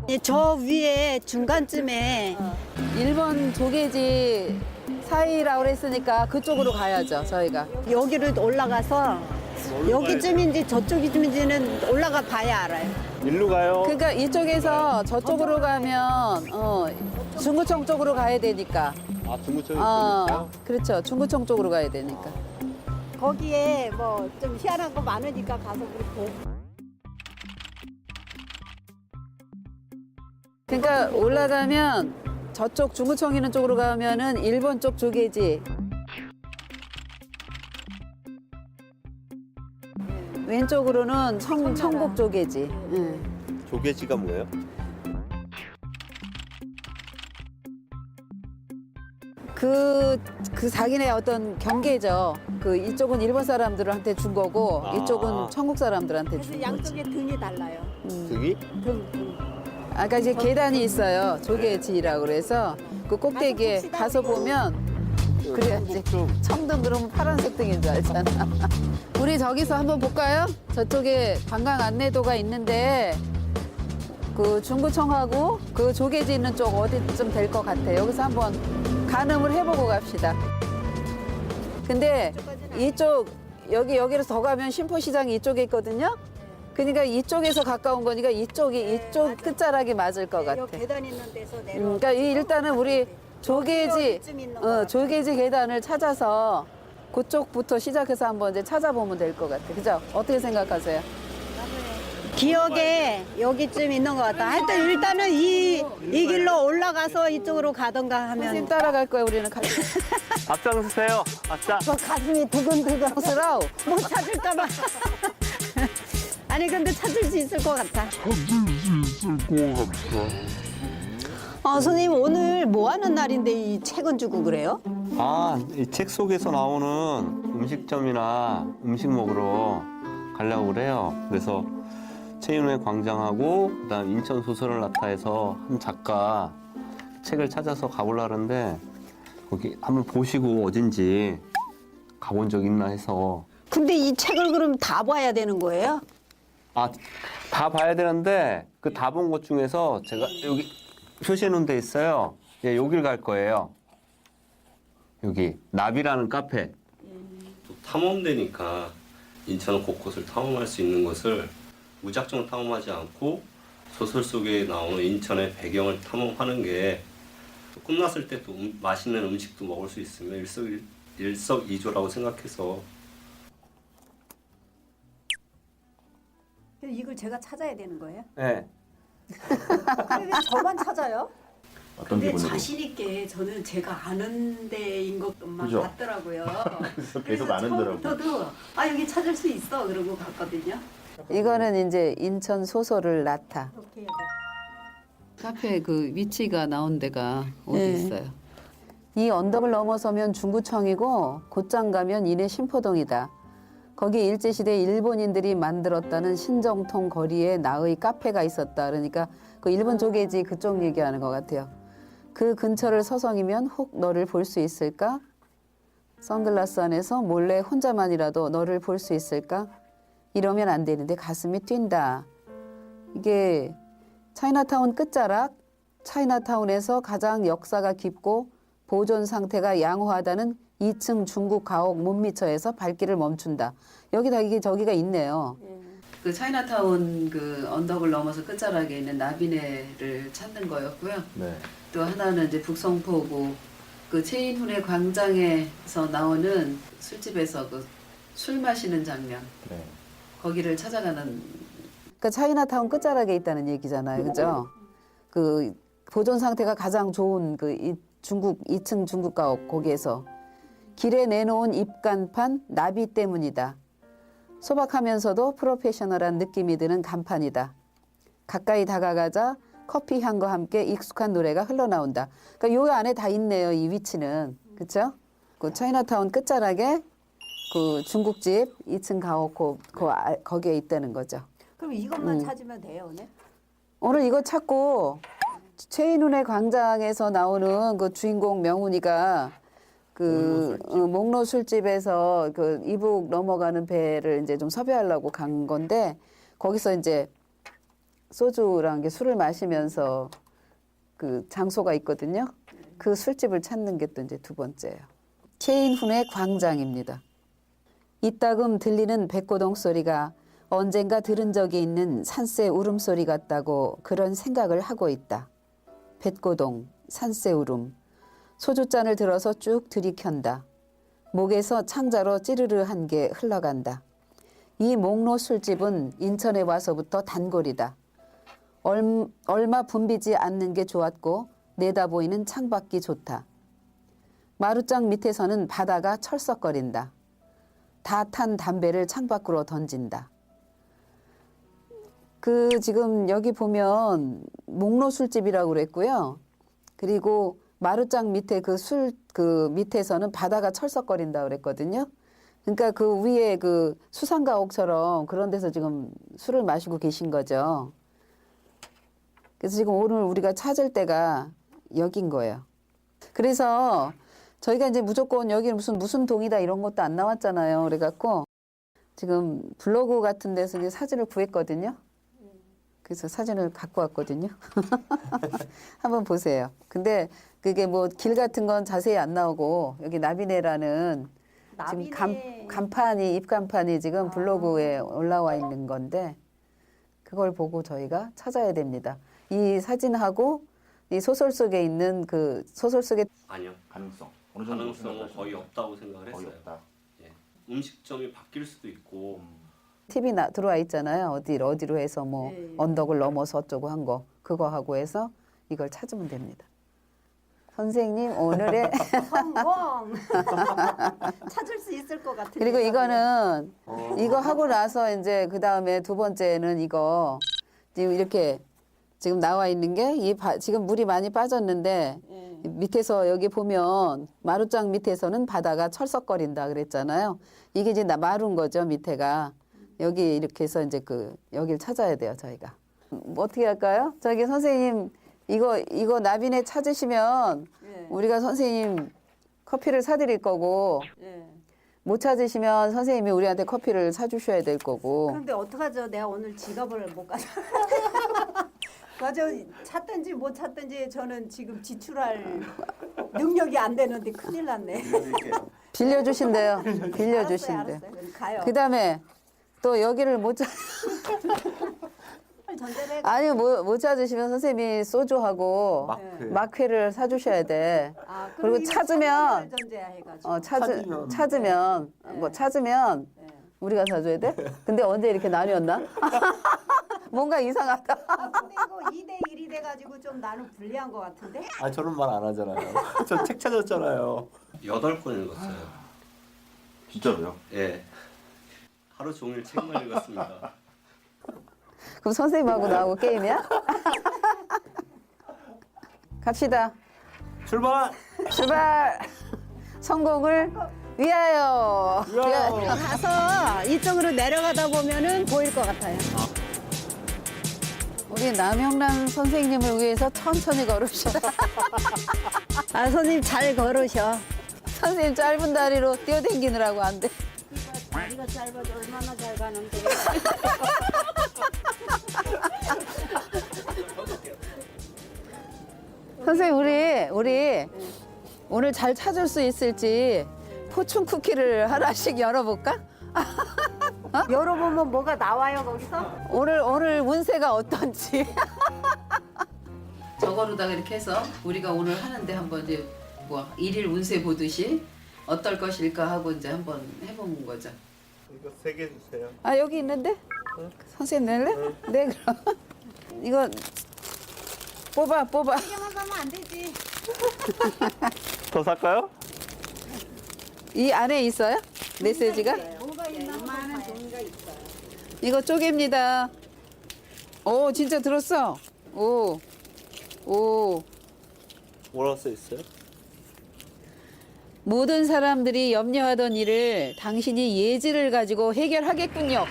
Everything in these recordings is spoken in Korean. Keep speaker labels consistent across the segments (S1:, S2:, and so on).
S1: 저 위에 중간쯤에
S2: 일본 조개지 사이라고 그랬으니까 그쪽으로 가야죠, 저희가.
S1: 여기를 올라가서 여기쯤인지 저쪽이쯤인지는 올라가 봐야 알아요.
S3: 일로 가요.
S2: 그러니까 이쪽에서 저쪽으로 가면 중구청 쪽으로 가야 되니까.
S3: 아, 중구청에 있어요?
S2: 그렇죠. 중구청 쪽으로 가야 되니까.
S1: 거기에 뭐 좀 희한한 거 많으니까 가서 우리 보고.
S2: 그러니까 올라가면 저쪽 중구청 있는 쪽으로 가면은 일본 쪽 조개지. 왼쪽으로는 청국 조개지. 응.
S3: 조개지가 뭐예요?
S2: 그 자기네 어떤 경계죠. 그 이쪽은 일본 사람들한테 준 거고 이쪽은 청국 사람들한테
S1: 그래서
S2: 준 거지.
S1: 양쪽에 등이 달라요.
S3: 등이?
S1: 등.
S2: 아까 이제 계단이 있어요. 조개지라고 그래서 그 꼭대기에 가서 보면 그래야지. 청등 그러면 파란색 등인 줄 알잖아. 우리 저기서 한번 볼까요? 저쪽에 관광 안내도가 있는데 그 중구청하고 그 조개지 있는 쪽 어디쯤 될 것 같아. 여기서 한번 가늠을 해보고 갑시다. 근데 이쪽 여기로 더 가면 신포시장이 이쪽에 있거든요. 그러니까 이쪽에서 가까운 거니까 이쪽 끝자락이 맞을 것 같아.
S1: 여기 계단 있는 데서 내려.
S2: 그러니까 일단은 우리 조개지
S1: 여기쯤 있는 것 같아.
S2: 조개지 계단을 찾아서 그쪽부터 시작해서 한번 이제 찾아보면 될 것 같아. 그죠? 어떻게 생각하세요?
S1: 기억에 여기쯤 있는 것 같다. 하여튼 일단은 이 길로 올라가서 이쪽으로 가던가
S2: 선생님
S1: 하면
S2: 따라갈 거야 우리는.
S3: 앞장서세요. 아싸.
S1: 뭐 가슴이 두근두근
S2: 스라우.
S1: 못 찾을까 봐. 아니 근데 찾을 수 있을 것 같아. 선생님 오늘 뭐 하는 날인데 이 책은 주고 그래요?
S3: 아, 이 책 속에서 나오는 음식점이나 음식 먹으러 가려고 그래요. 그래서 최인호의 광장하고 그다음 인천 소설을 나타해서 한 작가 책을 찾아서 가보려고 하는데 거기 한번 보시고 어딘지 가본 적 있나 해서.
S1: 근데 이 책을 그럼 다 봐야 되는 거예요?
S3: 아, 다 봐야 되는데 그 다 본 것 중에서 제가 여기 표시해 놓은 데 있어요. 예, 여길 갈 거예요. 여기 나비라는 카페.
S4: 탐험되니까 인천 곳곳을 탐험할 수 있는 것을 무작정 탐험하지 않고 소설 속에 나오는 인천의 배경을 탐험하는 게 끝났을 때 또 맛있는 음식도 먹을 수 있으면 일석이조라고 생각해서.
S1: 이걸 제가 찾아야 되는 거예요?
S3: 네.
S1: 왜 저만 찾아요?
S5: 어떤
S1: 근데
S5: 기분으로?
S1: 자신 있게 저는 제가 아는 데인 것만
S5: 그죠?
S1: 같더라고요.
S5: 그래서 계속 아는 데라고.
S1: 처음부터도 여기 찾을 수 있어 그러고 갔거든요.
S2: 이거는 이제 인천 소설을 나타.
S1: 이렇게
S2: 카페 그 위치가 나온 데가 어디
S1: 네.
S2: 있어요? 이 언덕을 넘어서면 중구청이고 곧장 가면 이내 신포동이다. 거기 일제시대 일본인들이 만들었다는 신정통 거리에 나의 카페가 있었다. 그러니까 그 일본 조개지 그쪽 얘기하는 것 같아요. 그 근처를 서성이면 혹 너를 볼 수 있을까? 선글라스 안에서 몰래 혼자만이라도 너를 볼 수 있을까? 이러면 안 되는데 가슴이 뛴다. 이게 차이나타운 끝자락, 차이나타운에서 가장 역사가 깊고 보존 상태가 양호하다는 2층 중국 가옥 문미처에서 발길을 멈춘다. 여기다 이게 저기가 있네요. 그 차이나타운 그 언덕을 넘어서 끝자락에 있는 나비네를 찾는 거였고요.
S5: 네.
S2: 또 하나는 이제 북성포구 그 최인훈의 광장에서 나오는 술집에서 그 술 마시는 장면.
S5: 네.
S2: 거기를 찾아가는. 그 차이나타운 끝자락에 있다는 얘기잖아요, 그죠? 그 보존 상태가 가장 좋은 그 중국 2층 중국 가옥 거기에서 길에 내놓은 입간판 나비 때문이다. 소박하면서도 프로페셔널한 느낌이 드는 간판이다. 가까이 다가가자 커피 향과 함께 익숙한 노래가 흘러나온다. 그러니까 요 안에 다 있네요, 이 위치는. 그렇죠? 그 차이나타운 끝자락에 그 중국집 2층 가옥 거기에 있다는 거죠.
S1: 그럼 이것만 찾으면 돼요 오늘?
S2: 오늘 이거 찾고 최인훈의 광장에서 나오는 그 주인공 명훈이가 그 목로 술집에서 그 이북 넘어가는 배를 이제 좀 섭외하려고 간 건데 거기서 이제 소주랑 게 술을 마시면서 그 장소가 있거든요. 그 술집을 찾는 게 또 이제 두 번째예요. 체인훈의 광장입니다. 이따금 들리는 백고동 소리가 언젠가 들은 적이 있는 산새 울음소리 같다고 그런 생각을 하고 있다. 백고동, 산새 울음. 소주잔을 들어서 쭉 들이켠다. 목에서 창자로 찌르르한 게 흘러간다. 이 목로 술집은 인천에 와서부터 단골이다. 얼마 붐비지 않는 게 좋았고 내다 보이는 창밖이 좋다. 마루장 밑에서는 바다가 철썩거린다. 다 탄 담배를 창밖으로 던진다. 지금 여기 보면 목로 술집이라고 그랬고요. 그리고 마루장 밑에 그 밑에서는 바다가 철썩거린다 그랬거든요. 그러니까 그 위에 그 수상가옥처럼 그런 데서 지금 술을 마시고 계신 거죠. 그래서 지금 오늘 우리가 찾을 때가 여긴 거예요. 그래서 저희가 이제 무조건 여기는 무슨 동이다 이런 것도 안 나왔잖아요. 그래갖고 지금 블로그 같은 데서 이제 사진을 구했거든요. 그래서 사진을 갖고 왔거든요. 한번 보세요. 근데 그게 뭐 길 같은 건 자세히 안 나오고 여기 나비네라는 지금 간판이 입간판이 지금 블로그에 올라와 있는 건데 그걸 보고 저희가 찾아야 됩니다. 이 사진하고 이 소설 속에 있는 그 소설 속에
S4: 아니요.
S5: 가능성. 어느 정도
S4: 가능성은 거의 없다고 생각을
S5: 거의
S4: 했어요.
S5: 없다.
S4: 예. 음식점이 바뀔 수도 있고
S2: TV 들어와 있잖아요. 어디로 해서 뭐
S1: 네.
S2: 언덕을 넘어서 어쩌고 한 거 그거 하고 해서 이걸 찾으면 됩니다. 선생님 오늘의
S1: 성공. 찾을 수 있을 것 같은데.
S2: 그리고 이거는 이거 하고 나서 이제 그 다음에 두 번째는 이거 지금 이렇게 지금 나와 있는 게 지금 물이 많이 빠졌는데 밑에서 여기 보면 마루장 밑에서는 바다가 철썩거린다 그랬잖아요. 이게 이제 마루인 거죠 밑에가. 여기 이렇게 해서 이제 여길 찾아야 돼요 저희가. 뭐 어떻게 할까요? 저기 선생님 이거 나비네 찾으시면 우리가 선생님 커피를 사드릴 거고 못 찾으시면 선생님이 우리한테 커피를 사주셔야 될 거고.
S1: 그런데 어떡하죠? 내가 오늘 지갑을 못 가져. 맞아. 찾든지 못 찾든지 저는 지금 지출할 능력이 안 되는데 큰일 났네.
S2: 빌려주신대요. 빌려주신대요.
S1: 알았어요. 그럼 가요.
S2: 그다음에 또 여기를 못 찾.
S1: 전달해.
S2: 아니 못 찾으시면 선생님이 소주하고 막회를 사주셔야 돼.
S1: 아,
S2: 그리고
S1: 이거
S2: 찾으면
S1: 전제야 해가지고.
S2: 찾으면 뭐 찾으면 우리가 사줘야 돼? 근데 언제 이렇게 나뉘었나? 뭔가 이상하다.
S1: 근데 이거 2대 1이 돼가지고 좀 나는 불리한 것 같은데?
S3: 아 저런 말 안 하잖아요. 저 책 찾았잖아요.
S4: 8권 읽었어요.
S5: 진짜로요?
S4: 예. 하루 종일 책만 읽었습니다.
S2: 그럼 선생님하고 나하고 게임이야? 갑시다.
S3: 출발.
S2: 출발. 성공을 위하여.
S1: 가서 이쪽으로 내려가다 보면은 보일 것 같아요.
S2: 우리 남영란 선생님을 위해서 천천히 걸읍시다.
S1: 아, 선생님 잘 걸으셔.
S2: 선생님 짧은 다리로 뛰어댕기느라고 안 돼.
S1: 다리가 짧아도 얼마나 잘 가는데.
S2: 선생님 우리 오늘 잘 찾을 수 있을지 포춘 쿠키를 하나씩 열어볼까?
S1: 열어보면 뭐가 나와요 거기서?
S2: 오늘 운세가 어떤지. 저거로다가 이렇게 해서 우리가 오늘 하는데 한번 이제 뭐 일일 운세 보듯이 어떨 것일까 하고 이제 한번 해보는 거죠.
S3: 이거 3개 주세요.
S2: 아 여기 있는데? 선생님 낼래? 네 그럼. 이거 뽑아.
S1: 이게만 가면 안 되지.
S3: 더 살까요?
S2: 이 안에 있어요? 메시지가?
S1: 뭐가 있나 많은 종이가 있어요.
S2: 이거 쪼개입니다. 오 진짜 들었어. 오.
S3: 뭐라고 써 있어요?
S2: 모든 사람들이 염려하던 일을 당신이 예지를 가지고 해결하겠군요.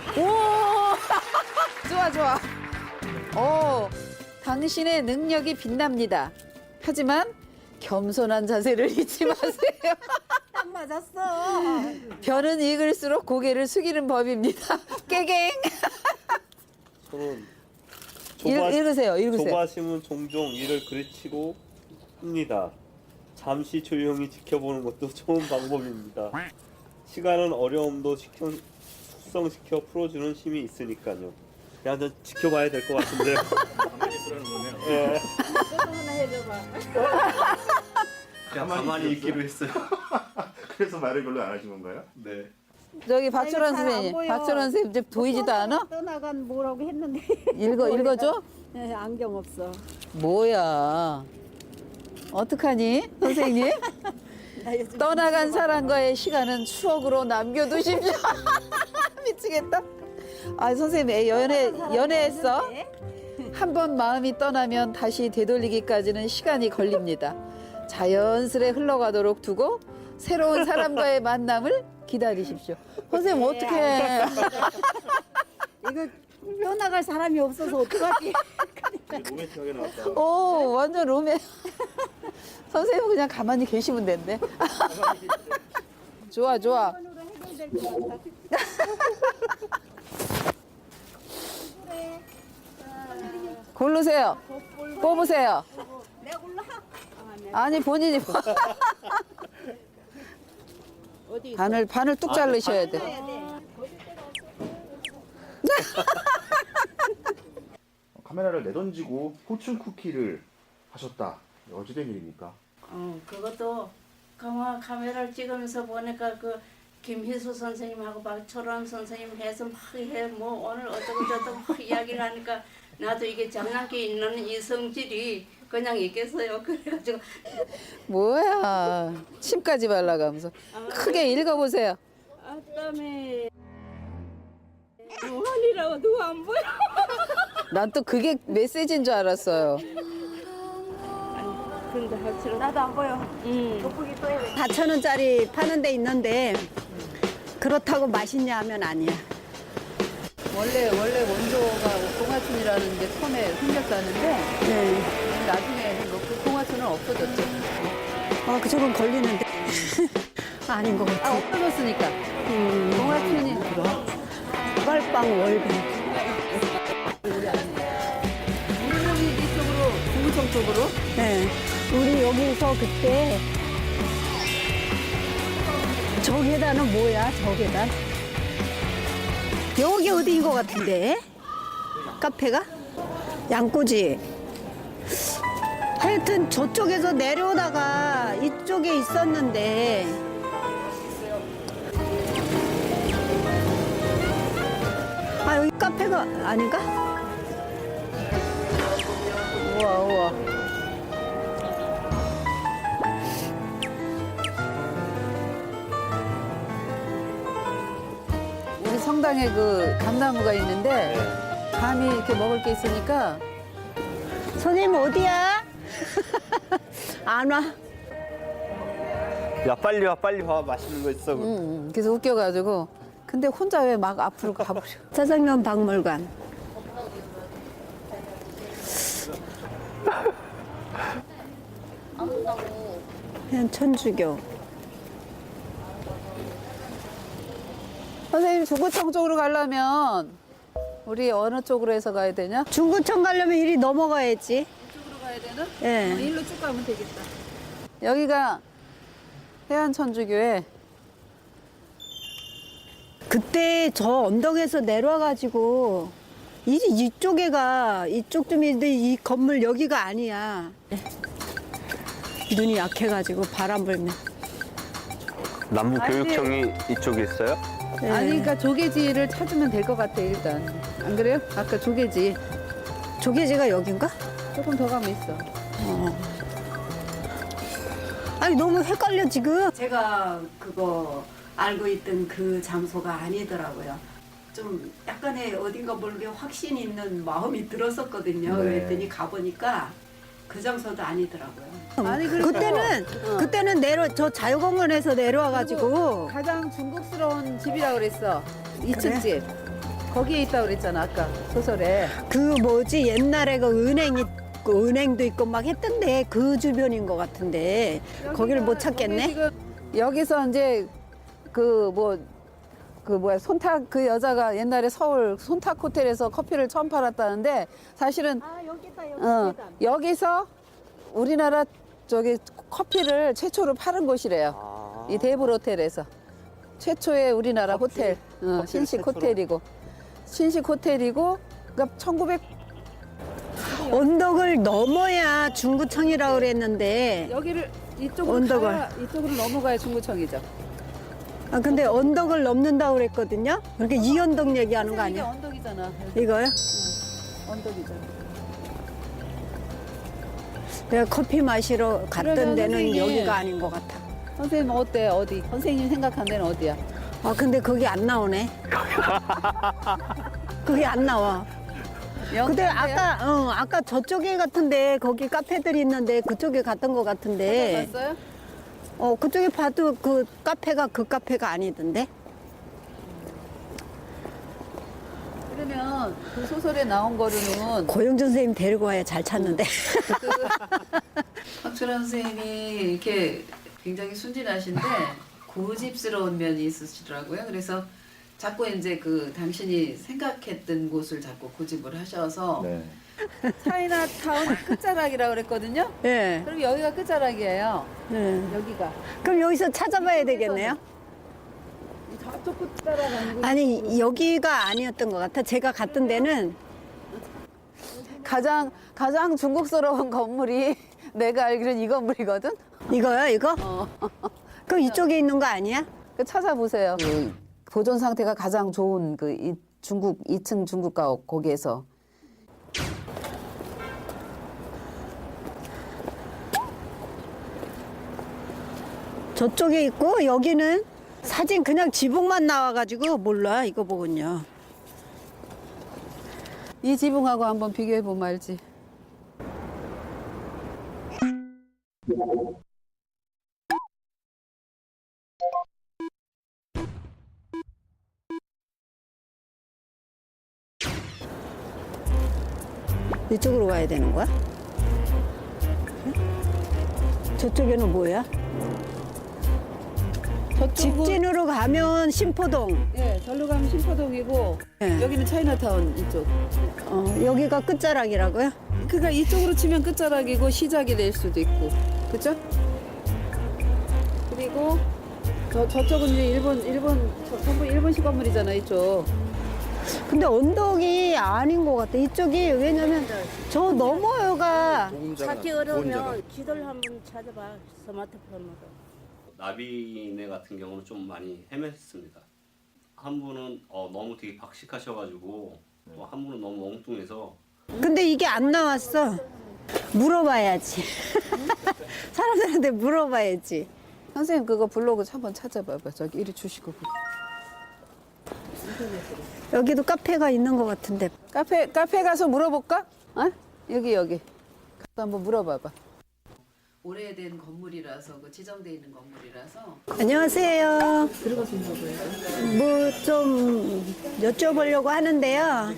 S2: 오! 좋아. 오, 당신의 능력이 빛납니다. 하지만 겸손한 자세를 잊지 마세요.
S1: 딱 맞았어.
S2: 별은 익을수록 고개를 숙이는 법입니다. 깨갱.
S3: 저는
S2: 읽으세요.
S3: 조바심은 종종 이를 그르치고 합니다. 잠시 조용히 지켜보는 것도 좋은 방법입니다. 시간은 어려움도 숙성시켜 풀어주는 힘이 있으니까요. 그냥 좀 지켜봐야 될 것 같은데요. 예.
S4: 그냥 가만히 있기로 했어요.
S5: 그래서 말을 별로 안 하신 건가요?
S4: 네.
S2: 저기 박철원
S1: 잘안
S2: 선생님.
S1: 보여.
S2: 박철원 선생님 이제 보이지도 않아?
S1: 떠나간 뭐라고 했는데.
S2: 읽어줘?
S1: 네, 안경 없어.
S2: 뭐야. 어떡하니, 선생님?
S1: 나 요즘
S2: 떠나간 사람과의 시간은 추억으로 남겨두십시오. 미치겠다. 아, 선생님, 연애했어? 한 번 마음이 떠나면 다시 되돌리기까지는 시간이 걸립니다. 자연스레 흘러가도록 두고 새로운 사람과의 만남을 기다리십시오. 선생님, 어떡해.
S1: 이거 떠나갈 사람이 없어서 어떡하지?
S5: 로맨틱하게 나왔다.
S2: 오, 완전 로맨. 선생님은 그냥 가만히 계시면 된대. 좋아. 고르세요. 뽑으세요.
S1: 내가 골라.
S2: 아니, 본인이.
S1: 어디 있어?
S2: 반을 뚝 자르셔야 돼.
S5: 카메라를 내던지고 포춘 쿠키를 하셨다. 어찌된 일입니까?
S6: 그것도 카메라를 찍으면서 보니까 그 김희수 선생님하고 박철원 선생님 해서 막 해 뭐 오늘 어쩌고 저쩌고 막 이야기를 하니까 나도 이게 장난기 있는 이 성질이 그냥 있겠어요. 그래가지고
S2: 뭐야. 침까지 발라가면서. 크게 읽어보세요.
S6: 아땀에 무한이라고 누가 안 보여?
S2: 난 또 그게 메시지인 줄 알았어요.
S6: 근데 확실히
S1: 나도 안 보여.
S6: 돋보기 또 해야
S1: 4,000원짜리 파는 데 있는데 그렇다고 맛있냐 하면 아니야.
S2: 원래 원조가 동화춘이라는 게 처음에 생겼다는데
S1: 네.
S2: 나중에 그 동화춘은 없어졌죠.
S1: 아, 그쪽은 걸리는데. 아닌 것 같아.
S2: 없어졌으니까. 동화춘이
S1: 빨빵 월급.
S2: 우리 이쪽으로 중구청 쪽으로.
S1: 네. 우리 여기서 그때 저 계단은 뭐야? 저 계단? 여기 어디인 것 같은데? 카페가? 양꼬지. 하여튼 저쪽에서 내려오다가 이쪽에 있었는데 아, 여기 카페가 아닌가?
S2: 우와. 우리 성당에 그 감나무가 있는데 감이 이렇게 먹을 게 있으니까
S1: 선생님 어디야? 안 와.
S3: 야 빨리 와 맛있는 거 있어.
S2: 그래서 웃겨가지고 근데 혼자 왜 막 앞으로 가버려.
S1: 짜장면 박물관. 그냥 천주교.
S2: 선생님 중구청 쪽으로 가려면 우리 어느 쪽으로 해서 가야 되냐?
S1: 중구청 가려면 이리 넘어가야지.
S2: 이쪽으로 가야 되나?
S1: 예.
S2: 일로 쭉 가면 되겠다. 여기가 해안천주교에
S1: 그때 저 언덕에서 내려와가지고 이쪽에가 이쪽쯤인데 이 건물 여기가 아니야. 눈이 약해가지고 바람 불면.
S3: 남부 교육청이 이쪽에 있어요?
S1: 예.
S2: 아니 그러니까 조개지를 찾으면 될 것 같아 일단. 안 그래요? 아까 조개지
S1: 조개지가 여긴가?
S2: 조금 더 가면 있어.
S1: 아니 너무 헷갈려 지금.
S7: 제가 그거 알고 있던 그 장소가 아니더라고요. 좀 약간의 어딘가 모르게 확신 있는 마음이 들었었거든요.
S3: 네.
S7: 그랬더니 가보니까 그 장소도 아니더라고요.
S2: 아니 그러니까
S1: 그때는 저 자유공원에서 내려와가지고
S2: 가장 중국스러운 집이라 그랬어. 2층 집. 거기에 있다고 그랬잖아 아까 소설에.
S1: 그 뭐지 옛날에 그 은행도 있고 막 했던데 그 주변인 것 같은데 거기를 못 찾겠네.
S2: 지금 여기서 이제 그 뭐 그 뭐야 손탁 그 여자가 옛날에 서울 손탁 호텔에서 커피를 처음 팔았다는데 사실은
S1: 아 여기다
S2: 여기서 우리나라 저기 커피를 최초로 파는 곳이래요. 이 데이블 호텔에서 최초의 우리나라 호텔, 신식
S3: 최초로?
S2: 호텔이고 신식 호텔이고 그러니까 1900
S1: 언덕을 넘어야 중구청이라고 그랬는데
S2: 여기를 이쪽으로
S1: 언덕을.
S2: 가야 이쪽으로 넘어가야 중구청이죠.
S1: 아 근데 언덕을 넘는다고 그랬거든요. 그러니까 이 언덕 얘기하는 거
S2: 이게
S1: 아니야?
S2: 언덕이잖아.
S1: 이거요?
S2: 언덕이잖아.
S1: 내가 커피 마시러 갔던
S2: 그러면
S1: 데는
S2: 선생님.
S1: 여기가 아닌 것 같아.
S2: 선생님 어때? 어디? 선생님 생각한 데는 어디야?
S1: 아 근데 거기 안 나오네. 거기 안 나와. 근데 아까 저쪽에 같은데 거기 카페들이 있는데 그쪽에 갔던 것 같은데.
S2: 봤어요?
S1: 그쪽에 봐도 그 카페가 그 카페가 아니던데.
S2: 그러면 그 소설에 나온 거로는
S1: 고영준 선생님 데리고 와야 잘 찾는데.
S2: 박철환 선생님이 이렇게 굉장히 순진하신데 고집스러운 면이 있으시더라고요. 그래서 자꾸 이제 그 당신이 생각했던 곳을 자꾸 고집을 하셔서
S5: 네.
S2: 차이나타운 끝자락이라고 그랬거든요.
S1: 예.
S2: 그럼 여기가 끝자락이에요.
S1: 네.
S2: 여기가.
S1: 그럼 여기서 찾아봐야 되겠네요.
S2: 저쪽 끝 따라가는 거.
S1: 아니 여기가 아니었던 것 같아. 제가 갔던 데는
S2: 가장 중국스러운 건물이 내가 알기로는 이 건물이거든.
S1: 이거요, 이거? 그럼 이쪽에 있는 거 아니야?
S2: 그 찾아보세요. 그 보존 상태가 가장 좋은 그 중국 2층 중국 가옥 거기에서
S1: 저쪽에 있고 여기는 사진 그냥 지붕만 나와가지고 몰라 이거 보군요.
S2: 이 지붕하고 한번 비교해 보면 알지.
S1: 이쪽으로 가야 되는 거야? 저쪽에는 뭐야? 직진으로 가면 신포동.
S2: 예, 절로 가면 신포동이고
S1: 예.
S2: 여기는 차이나타운 이쪽.
S1: 여기가 끝자락이라고요?
S2: 그러니까 이쪽으로 치면 끝자락이고 시작이 될 수도 있고, 그죠? 그리고 저쪽은 이제 전부 일본식 건물이잖아 이쪽.
S1: 근데 언덕이 아닌 것 같아. 이쪽이 왜냐면 저 너머가
S6: 찾기 어려우면 지도를 한번 찾아봐 스마트폰으로.
S4: 나비네 같은 경우는 좀 많이 헤맸습니다. 한 분은 너무 되게 박식하셔가지고 또 한 분은 너무 엉뚱해서
S1: 근데 이게 안 나왔어. 물어봐야지. 사람들한테 물어봐야지.
S2: 선생님 그거 블로그 한번 찾아봐봐. 저기 이리 주시고.
S1: 여기도 카페가 있는 것 같은데.
S2: 카페 가서 물어볼까? 어? 여기. 가서 한번 물어봐봐. 오래된 건물이라서 그 지정돼 있는 건물이라서.
S1: 안녕하세요.
S2: 들어가신다고 해요.
S1: 뭐 좀 여쭤보려고 하는데요.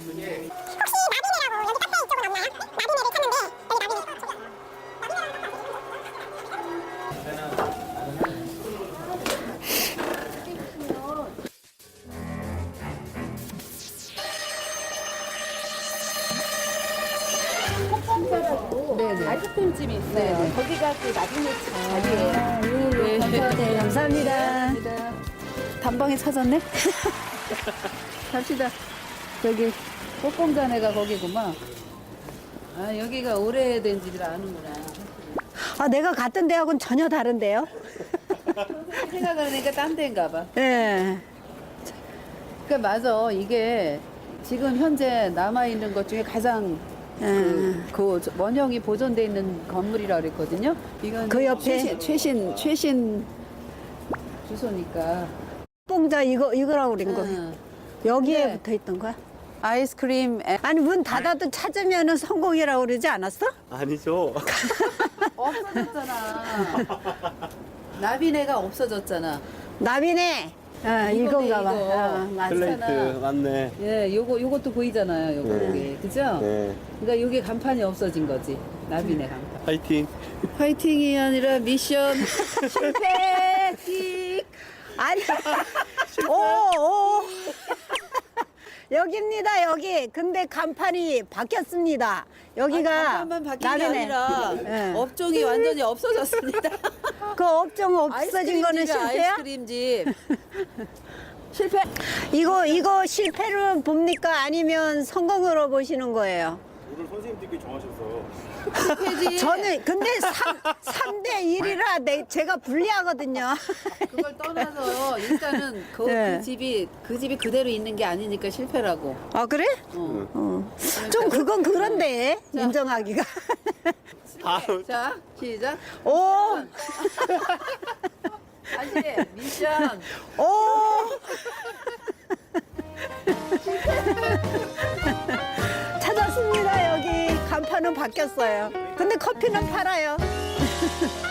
S2: 네네. 아이스크림집이 있어요. 거기가 그 나중에 자리예요.
S1: 네, 감사합니다.
S2: 단방에 찾았네? 갑시다. 저기 꽃공자네가 거기구만. 아 여기가 오래된 집이라 아는구나.
S1: 아, 내가 갔던 데하고는 전혀 다른데요?
S2: 생각을 하니까 딴 데인가 봐.
S1: 네.
S2: 그러니까 맞아. 이게 지금 현재 남아있는 것 중에 가장 그 원형이 보존돼 있는 건물이라 그랬거든요. 이건
S1: 그 옆에?
S2: 최신 주소니까.
S1: 뽕자 이거라고 그린 거.
S2: 응.
S1: 여기에
S2: 네.
S1: 붙어 있던 거야?
S2: 아이스크림
S1: 아니 문 닫아도 찾으면 성공이라고 그러지 않았어?
S3: 아니죠.
S2: 없어졌잖아. 나비네가 없어졌잖아.
S1: 나비네. 이건가 봐.
S2: 이거.
S1: 맞아.
S3: 플레이트 맞네.
S2: 예, 요것도 보이잖아요. 요거
S3: 네.
S2: 여기. 그죠?
S3: 네.
S2: 그러니까 요게 간판이 없어진 거지. 나비네 간판.
S3: 파이팅.
S2: 파이팅이 아니라 미션 실패. 띡.
S1: 아니, 오. 여기입니다, 여기. 근데 간판이 바뀌었습니다. 여기가
S2: 간판만 바뀐 게
S1: 나르네.
S2: 아니라
S1: 예.
S2: 업종이 완전히 없어졌습니다.
S1: 그 업종 없어진 거는
S2: 아이스크림집이야,
S1: 실패야?
S2: 아이스크림집. 실패.
S1: 이거 실패로 봅니까? 아니면 성공으로 보시는 거예요?
S5: 오늘 선생님들끼리 정하셔서
S2: 실패지.
S1: 저는 근데 3대 1이라 제가 불리하거든요.
S2: 그걸 떠나서 일단은
S1: 네.
S2: 그 집이 그대로 있는 게 아니니까 실패라고.
S1: 아, 그래?
S2: 어.
S1: 좀 그건 그런데 인정하기가.
S2: 자, 시작.
S1: 오,
S2: 다시 미션.
S1: 오. 찾았습니다, 여기. 간판은 바뀌었어요. 근데 커피는 팔아요.